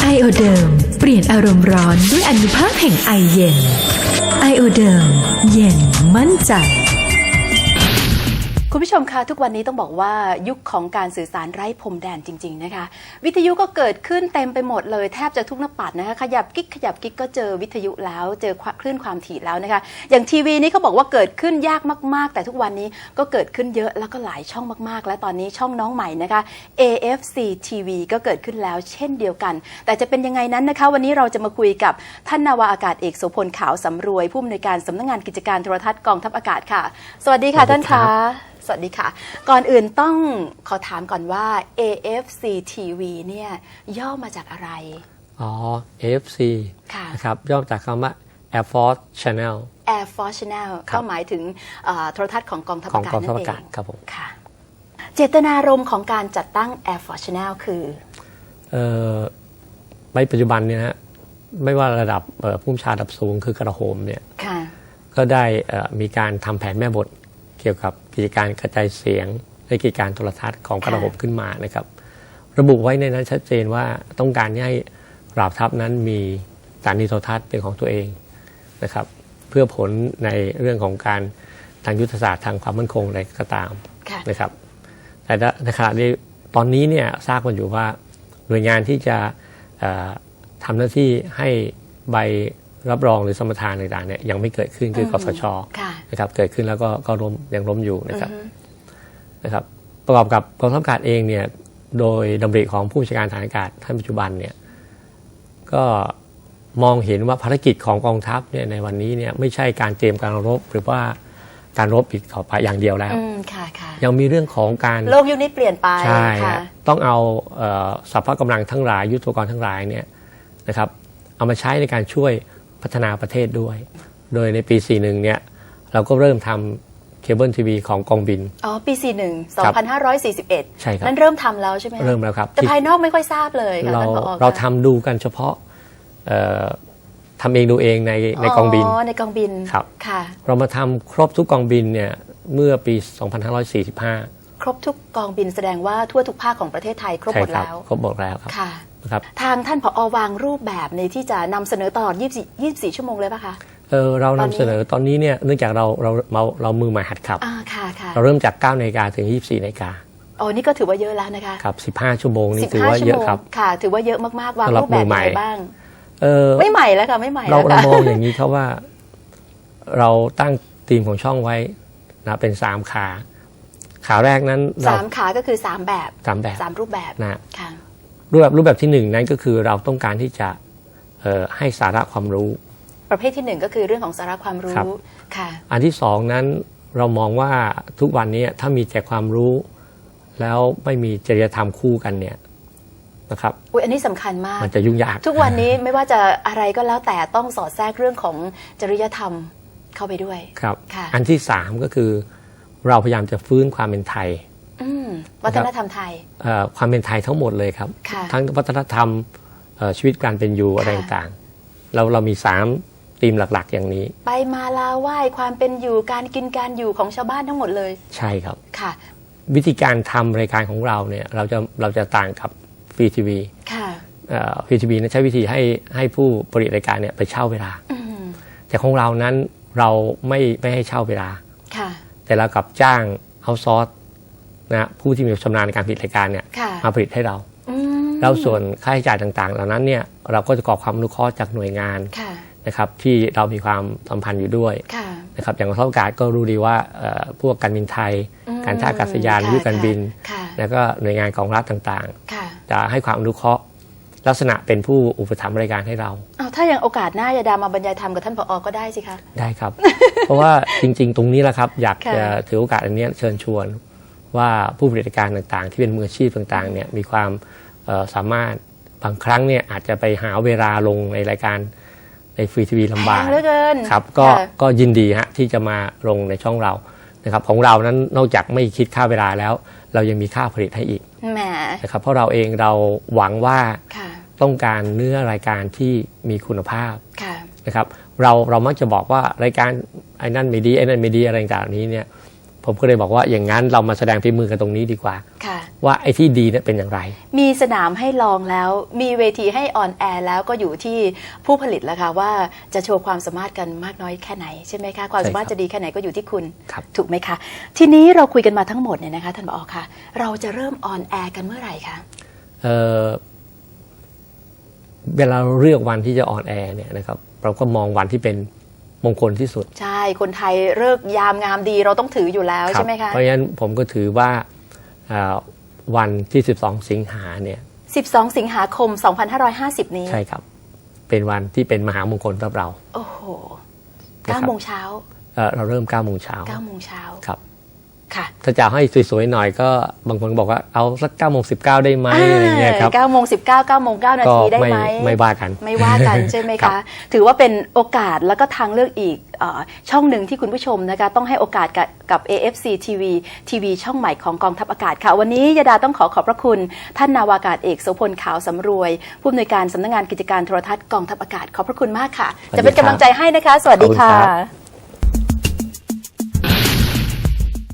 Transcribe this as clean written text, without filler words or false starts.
ไอโอเดิมเปลี่ยนอารมณ์ร้อนด้วยอานุภาพแห่งไอเย็นไอโอเดิมเย็นมั่นใจคุณผู้ชมคะทุกวันนี้ต้องบอกว่ายุคของการสื่อสารไร้พรมแดนจริงๆนะคะวิทยุก็เกิดขึ้นเต็มไปหมดเลยแทบจะทุกหน้าปัดนะคะขยับกิ๊กก็เจอวิทยุแล้วเจอคลื่นความถี่แล้วนะคะอย่างทีวีนี้เขาบอกว่าเกิดขึ้นยากมากๆแต่ทุกวันนี้ก็เกิดขึ้นเยอะแล้วก็หลายช่องมากๆและตอนนี้ช่องน้องใหม่นะคะ AFC TV ก็เกิดขึ้นแล้วเช่นเดียวกันแต่จะเป็นยังไงนั้นนะคะวันนี้เราจะมาคุยกับท่านนาวาอากาศเอกโสพลขาวสำรวยผู้อำนวยการสำนักงานกิจการโทรทัศน์กองทัพอากาศค่ะสวัสดีค่ะท่านคะสวัสดีค่ะก่อนอื่นต้องขอถามก่อนว่า AFC TV เนี่ยย่อมาจากอะไร AFC นะครับย่อมาจากคำว่า Air Force Channel Air Force Channel ก็หมายถึงโทรทัศน์ของกองทัพอากาศนั่นเองครับผมค่ะเจตนารมณ์ของการจัดตั้ง Air Force Channel คือในปัจจุบันเนี่ยนะไม่ว่าระดับผู้บัญชาการระดับสูงคือกระโหมเนี่ยก็ได้มีการทำแผนแม่บทเกี่ยวกับกิจการกระจายเสียงและกิจการโทรทัศน์ของกระบบขึ้นมานะครับระบุไว้ในนั้นชัดเจนว่าต้องการให้เหล่าทัพนั้นมีสถานีโทรทัศน์เป็นของตัวเองนะครับเพื่อผลในเรื่องของการทางยุทธศาสตร์ทางความมั่นคงอะไรก็ตามนะครับแต่ในขณะนี้ตอนนี้เนี่ยทราบกันอยู่ว่าหน่วยงานที่จะทำหน้าที่ให้ใบรับรองหรือสมรทานต่างๆเนี่ยยังไม่เกิดขึ้นคือกสช.นะครับเกิดขึ้นแล้วก็ยังล้มอยู่นะครับประกอบกับกองทัพอากาศเองเนี่ยโดยดำริของผู้บัญชาการฐานอากาศท่านปัจจุบันเนี่ยก็มองเห็นว่าภารกิจของกองทัพเนี่ยในวันนี้เนี่ยไม่ใช่การเตรียมการรบหรือว่าการรบอีกต่อไปอย่างเดียวแล้วยังมีเรื่องของการโลกยุคนี้เปลี่ยนไปใช่ต้องเอาสรรพกำลังทั้งหลายยุทโธปกรณ์ทั้งหลายเนี่ยนะครับเอามาใช้ในการช่วยพัฒนาประเทศด้วยโดยในปี 41 เนี่ยเราก็เริ่มทำเคเบิลทีวีของกองบินปี 41 2541 ใช่ครับนั้นเริ่มทำแล้วใช่ไหมเริ่มแล้วครับแต่ภายนอกไม่ค่อยทราบเลยค่ะเราทำดูกันเฉพาะทำเองดูเองในกองบินในกองบินครับเรามาทำครบทุกกองบินเนี่ยเมื่อปี 2545 ครบทุกกองบินแสดงว่าทั่วทุกภาคของประเทศไทยครบหมดแล้วครบหมดแล้วครับทางท่านผอ.วางรูปแบบในที่จะนำเสนอตลอด24 ชั่วโมงเลยป่ะคะเรานำเสนอตอนนี้เนี่ยเนื่องจากเรามือใหม่หัดขับเราเริ่มจาก 9 นาฬิกาถึง 24 นาฬิกานี่ก็ถือว่าเยอะแล้วนะคะครับ15 ชั่วโมงนี่ถือว่าเยอะครับค่ะถือว่าเยอะมากๆวางรูปแบบไหนบ้างไม่ใหม่แล้วค่ะไม่ใหม่เรามองอย่างนี้ครับว่าเราตั้งธีมของช่องไว้นะเป็น3ขาแรกนั้น 3ขาก็คือ3แบบ3รูปแบบนะรูปแบบที่1นั้นก็คือเราต้องการที่จะให้สาระความรู้ประเภทที่1ก็คือเรื่องของสาระความรู้ค่ะอันที่2นั้นเรามองว่าทุกวันนี้ถ้ามีแต่ความรู้แล้วไม่มีจริยธรรมคู่กันเนี่ยนะครับอันนี้สำคัญมากมันจะยุ่งยากทุกวันนี้ไม่ว่าจะอะไรก็แล้วแต่ต้องสอดแทรกเรื่องของจริยธรรมเข้าไปด้วยครับอันที่3ก็คือเราพยายามจะฟื้นความเป็นไทยวัฒนธรรมไทยความเป็นไทยทั้งหมดเลยครับทั้งวัฒนธรรมชีวิตการเป็นอยู่อะไรต่างๆเรามี3ธีมหลักๆอย่างนี้ไปมาลาไหว้ความเป็นอยู่การกินการอยู่ของชาวบ้านทั้งหมดเลยใช่ครับค่ะวิธีการทำรายการของเราเนี่ยเราจะต่างกับฟรีทีวีฟรีทีวีนั้นใช้วิธีให้ผู้ผลิตรายการเนี่ยไปเช่าเวลาแต่ของเรานั้นเราไม่ให้เช่าเวลาแต่เรากับจ้างเอาซอร์สนะผู้ที่มีชำนาญในการผลิตรายการเนี่ยมาผลิตให้เราแล้วส่วนค่าใช้จ่ายต่างๆเหล่านั้นเนี่ยเราก็จะขอความอนุเคราะห์จากหน่วยงานนะครับที่เรามีความสัมพันธ์อยู่ด้วยนะครับอย่างกองทัพอากาศก็รู้ดีว่าพวกการบินไทยการท่าอากาศยานวิทยุการบินแล้วก็หน่วยงานของรัฐต่างๆจะให้ความอนุเคราะห์ลักษณะเป็นผู้อุปถัมภ์รายการให้เราถ้าอย่างโอกาสหน้าจะดามาบรรยายธรรมกับท่านผอ.ก็ได้สิคะได้ครับ เพราะว่าจริงๆตรงนี้แหละครับอยากจะถือโอกาสอันนี้เชิญชวนว่าผู้บริการต่างๆที่เป็นมืออาชีพต่างๆเนี่ยมีความสามารถบางครั้งเนี่ยอาจจะไปหาเวลาลงในรายการในฟรีทีวีลำบากครับก็ยินดีฮะที่จะมาลงในช่องเรานะครับของเรานั้นนอกจากไม่คิดค่าเวลาแล้วเรายังมีค่าผลิตให้อีกนะครับเพราะเราเองเราหวังว่าต้องการเนื้อรายการที่มีคุณภาพนะครับเรามักจะบอกว่ารายการไอ้นั่นไม่ดีไอ้นั่นไม่ดีอะไรต่างๆนี้เนี่ยพผมก็เลยบอกว่าอย่างนั้นเรามาแสดงฝีมือกันตรงนี้ดีกว่าค่ะว่าไอ้ที่ดีเนี่ยเป็นอย่างไรมีสนามให้ลองแล้ว มีเวทีให้ออนแอร์แล้วก็อยู่ที่ผู้ผลิตแล้วค่ะว่าจะโชว์ความสามารถกันมากน้อยแค่ไหนใช่ไหมคะความสามารถจะดีแค่ไหนก็อยู่ที่คุณครับถูกไหมคะทีนี้เราคุยกันมาทั้งหมดเนี่ยนะคะท่านผอ.คะเราจะเริ่มออนแอร์กันเมื่อไหร่คะเวลาเราเลือกวันที่จะออนแอร์เนี่ยนะครับเราก็มองวันที่เป็นมงคลที่สุดใช่คนไทยเลิกยามงามดีเราต้องถืออยู่แล้วครับใช่ไหมคะเพราะฉะนั้นผมก็ถือว่าวันที่ 12 สิงหาเนี่ย 12 สิงหาคม 2550 นี้ใช่ครับเป็นวันที่เป็นมหามงคลสำหรับเราโอ้โหนะครับ 9 โมงเช้าเราเริ่ม 9 โมงเช้า 9 โมงเช้าครับค่ะถ้าจะให้สวยๆหน่อยก็บางคนบอกว่าเอาสัก 9 โมง 19 ได้ไหมอะไรเงี้ยครับ 9 โมง 19 9 โมง 9 นาทีได้ไหมไม่ว่ากันไม่ว่ากันใช่ไหมครัคะบถือว่าเป็นโอกาสแล้วก็ทางเลือกอีกช่องหนึ่งที่คุณผู้ชมนะคะต้องให้โอกาสกับ AFC TV ทีวีช่องใหม่ของกองทัพอากาศค่ะ วันนี้ยดาต้องขอบพระคุณท่านนาวากาศเอกโสพลขาวสำรวยผู้อำนวยการสำนักงานกิจการโทรทัศน์กองทัพอากาศขอบพระคุณมากค่ะ จะเป็นกำลังใจให้นะคะ สวัสดีค่ะ